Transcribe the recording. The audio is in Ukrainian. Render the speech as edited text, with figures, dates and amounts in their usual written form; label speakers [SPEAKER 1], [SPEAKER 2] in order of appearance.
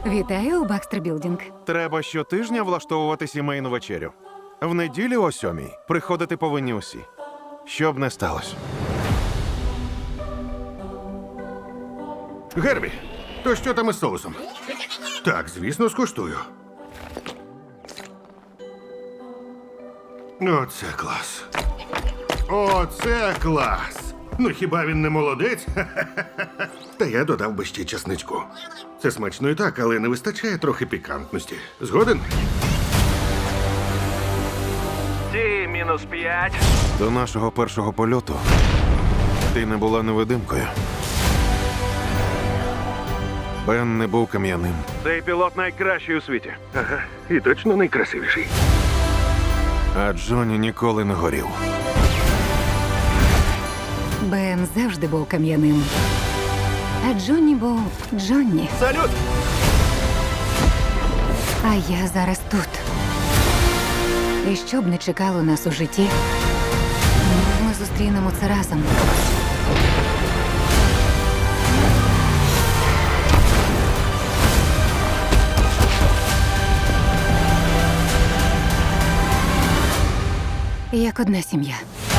[SPEAKER 1] Вітаю у Бакстер Білдінг.
[SPEAKER 2] Треба щотижня влаштовувати сімейну вечерю. В неділю о 7:00 приходити повинні усі. Що б не сталося.
[SPEAKER 3] Гербі, то що там із соусом? Так, звісно, скуштую. Оце клас. Оце клас. Ну хіба він не молодець? Та я додав би ще часничку. Це смачно і так, але не вистачає трохи пікантності. Згоден?
[SPEAKER 4] Ті -5.
[SPEAKER 2] До нашого першого польоту ти не була невидимкою. Бен не був кам'яним.
[SPEAKER 4] Цей пілот найкращий у світі.
[SPEAKER 3] Ага, і точно найкрасивіший.
[SPEAKER 2] А Джонні ніколи не горів.
[SPEAKER 1] Бен завжди був кам'яним. А Джонні був Джонні.
[SPEAKER 4] Салют!
[SPEAKER 1] А я зараз тут. І що б не чекало нас у житті, ми зустрінемо це разом. Як одна сім'я.